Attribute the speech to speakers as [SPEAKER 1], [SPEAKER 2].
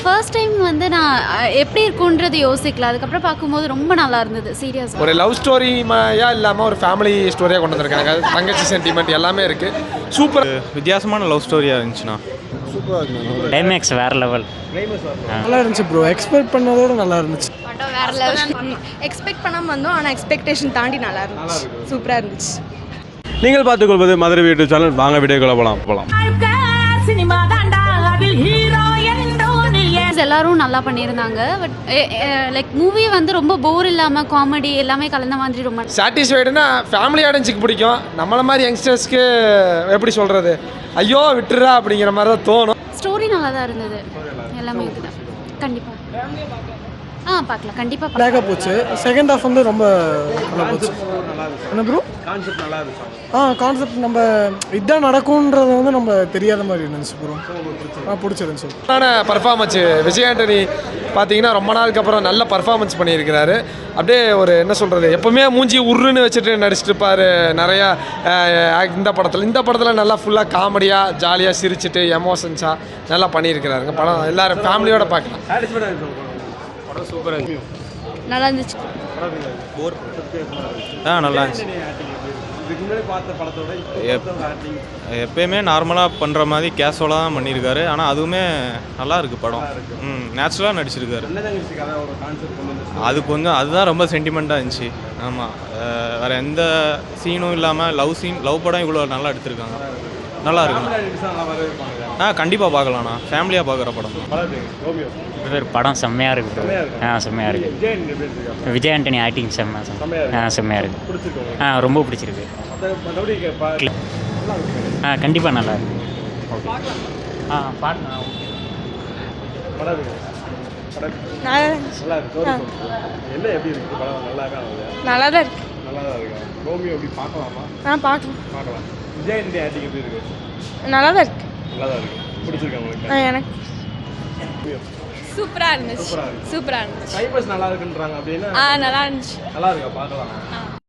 [SPEAKER 1] First time வந்து நான் எப்படி இருக்குன்றது யோசிக்கல. அதுக்கப்புறம் பார்க்கும்போது ரொம்ப நல்லா இருந்தது. சீரியஸாக
[SPEAKER 2] ஒரு லவ் ஸ்டோரியா இல்லாமல் ஒரு ஃபேமிலி ஸ்டோரியாக கொண்டு வந்திருக்காங்க. தங்கச்சி சென்டிமெண்ட் எல்லாமே இருக்குது. சூப்பர்
[SPEAKER 3] வித்தியாசமான லவ் ஸ்டோரியாக இருந்துச்சுண்ணா.
[SPEAKER 2] சூப்பராக இருக்குண்ணா.
[SPEAKER 4] டைமேக்ஸ் வேறு லெவல்.
[SPEAKER 5] நல்லா இருந்துச்சு ப்ரோ. எக்ஸ்பெக்ட் பண்ணதோட நல்லா இருந்துச்சு.
[SPEAKER 1] படம் வேறு லெவல். எக்ஸ்பெக்ட் பண்ணாமல் வந்தோம், ஆனால் எக்ஸ்பெக்டேஷன் தாண்டி நல்லா இருந்துச்சு. சூப்பராக இருந்துச்சு.
[SPEAKER 6] நீங்கள் பார்த்துக்கொள்வது மதுரை வீட்டு சேனல். வாங்க வீடியோக்குள்ள போகலாம்.
[SPEAKER 1] எல்லாரும் நல்லா பண்ணியிருந்தாங்க. பட் லைக் மூவி வந்து ரொம்ப போர் இல்லாமல் காமெடி எல்லாமே கலந்த மாதிரி ரொம்ப
[SPEAKER 2] சாட்டிஸ்ஃபைடுனா ஃபேமிலி ஆடியன்ஸுக்கு பிடிக்கும். நம்மளை மாதிரி யங்ஸ்டர்ஸ்க்கு எப்படி சொல்கிறது, ஐயோ விட்டுறா அப்படிங்கிற மாதிரி தான் தோணும்.
[SPEAKER 1] ஸ்டோரி நல்லா தான் இருந்தது. எல்லாமே இதுதான் கண்டிப்பாக பார்க்கலாம். கண்டிப்பாக
[SPEAKER 5] பிளாக்காக போச்சு. செகண்ட் ஹாஃப் வந்து ரொம்ப நல்லா போச்சு. என்ன ப்ரோ
[SPEAKER 6] கான்செப்ட் நல்லா இருந்துச்சு.
[SPEAKER 5] கான்செப்ட் நம்ம இதான் நடக்கும்ன்றது வந்து நம்ம தெரியாத மாதிரி இருந்துச்சு ப்ரோ. பிடிச்சிருந்துச்சு.
[SPEAKER 2] பர்ஃபார்மன்ஸ் விஜய் ஆண்டனி பார்த்தீங்கன்னா ரொம்ப நாளுக்கு அப்புறம் நல்ல பர்ஃபார்மன்ஸ் பண்ணியிருக்கிறாரு. அப்படியே ஒரு என்ன சொல்கிறது, எப்போவுமே மூஞ்சி உருன்னு வச்சுட்டு நடிச்சிட்டு இருப்பார் நிறையா. இந்த படத்தில் நல்லா ஃபுல்லாக காமெடியாக ஜாலியாக சிரிச்சிட்டு எமோஷன்ஸாக நல்லா பண்ணியிருக்கிறாருங்க. படம் எல்லோரும் ஃபேமிலியோடு பார்க்கலாம்.
[SPEAKER 3] சூப்பராக இருந்துச்சு.
[SPEAKER 1] நல்லா இருந்துச்சு.
[SPEAKER 3] நல்லா இருந்துச்சு. எப்பயுமே நார்மலாக பண்ணுற மாதிரி கேஷுவலாக தான் பண்ணியிருக்காரு. ஆனால் அதுவுமே நல்லா இருக்குது படம். நேச்சுரலாக நடிச்சிருக்காரு. அது கொஞ்சம் அதுதான் ரொம்ப சென்டிமெண்ட்டாக இருந்துச்சு. ஆமாம், வேறு எந்த சீனும் இல்லாமல் லவ் படம் இவ்வளோ நல்லா எடுத்திருக்காங்க. நல்லா இருக்குண்ணா. கண்டிப்பாக பார்க்கலாண்ணா. ஃபேமிலியாக பார்க்குற படம்.
[SPEAKER 4] படம் செம்மையாக இருக்குது. செம்மையாக இருக்குது. விஜய் ஆண்டனி ஆக்டிங் செம்மையாக இருக்குது. ரொம்ப பிடிச்சிருக்கு. கண்டிப்பாக நல்லா இருக்கு. ஓகே பாருங்க.
[SPEAKER 7] நல்லா தான் இருக்கு. நல்லா தான் இருக்கு. எனக்கு சூப்பரா இருந்துச்சு.
[SPEAKER 6] நல்லா இருக்குன்றாங்க அப்படின்னா
[SPEAKER 7] நல்லா இருந்துச்சு.
[SPEAKER 6] நல்லா இருக்கா பார்க்கலாம்.